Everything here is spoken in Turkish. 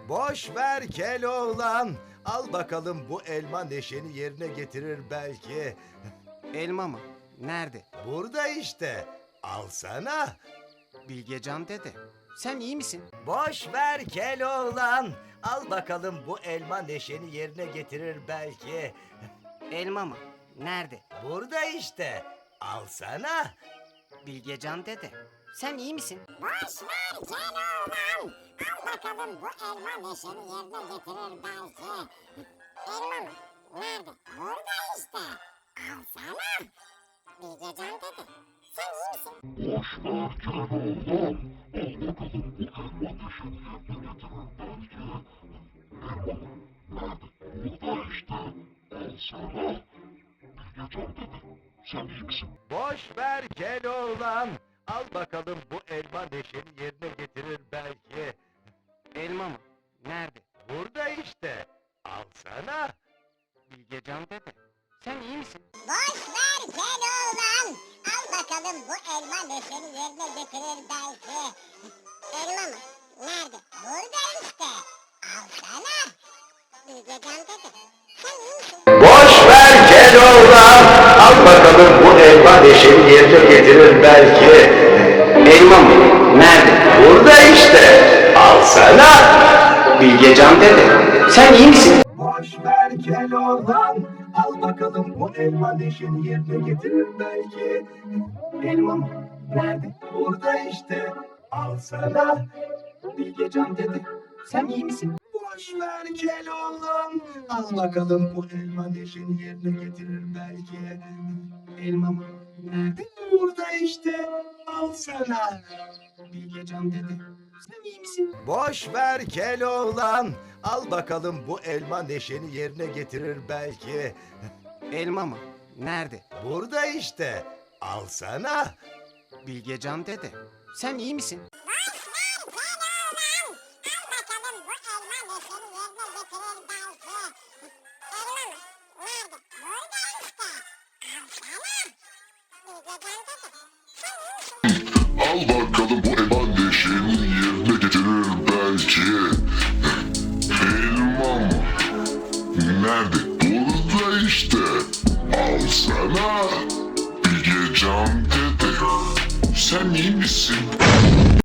Boş ver Keloğlan. Al bakalım, bu elma neşeni yerine getirir belki. Elma mı? Nerede? Burada işte. Alsana. Bilgecan dede. Sen iyi misin? Boş ver Keloğlan. Al bakalım, bu elma neşeni yerine getirir belki. Elma mı? Nerede? Burada işte. Alsana. Bilgecan dede. Sen iyi misin? Boş ver Keloğlan. Al bakalım, bu elma neşeni yerine getirir belki. Elma mı? Nerede? Burada işte. Alsana. Bilgecan dede. Sen iyi misin? Boş ver Keloğlan. Al bakalım, bu elma neşeni yerine getirir belki. Elma mı? Nerede? Burada işte. Alsana. Bilgecan dede. Sen iyi misin? Boş ver Keloğlan. Al bakalım, bu elma neşeni yerine getirir belki. Elma mı? Nerede? Burada işte. Alsana. Bilgecan dede. Sen iyi misin? Boş ver Keloğlan. Al bakalım, bu elma neşeni yerine getirir belki. Elma mı? Nerede? Burada işte. Alsana. Bilgecan dede. Sen iyi misin? Boş ver Keloğlan. Al bakalım, bu elma neşeni yerine getirir belki. Elma mı? Nerede? Burada işte. Alsana. Bilgecan dede. Sen iyi misin? Boş ver Keloğlan. Al bakalım, bu elma neşeni yerine getirir belki. Elma mı? Nerede? Burada işte. Alsana. Bilgecan dedi. Sen iyi misin? Boş ver Keloğlan. Al bakalım, bu elma neşeni yerine getirir belki. Elma mı? Nerede? Burada işte. Alsana. Bilgecan dedi. Sen iyi misin? Boş ver Keloğlan. Al bakalım, bu elma neşeni yerine getirir belki. Elma mı? Nerede? Burada işte. Alsana. Bilgecan dede. Sen iyi misin? Boş ver Keloğlan. Al bakalım, bu elma neşeni yerine getirir belki. Elma mı? Nerede? Burada işte. Alsana. Bilgecan dede. Sen iyi misin? Al bakalım, bu elma neşeni yerine getirir belki. Elma mı? Nerede? Burada işte. Alsana. Bilgecan dede. Sen iyi misin?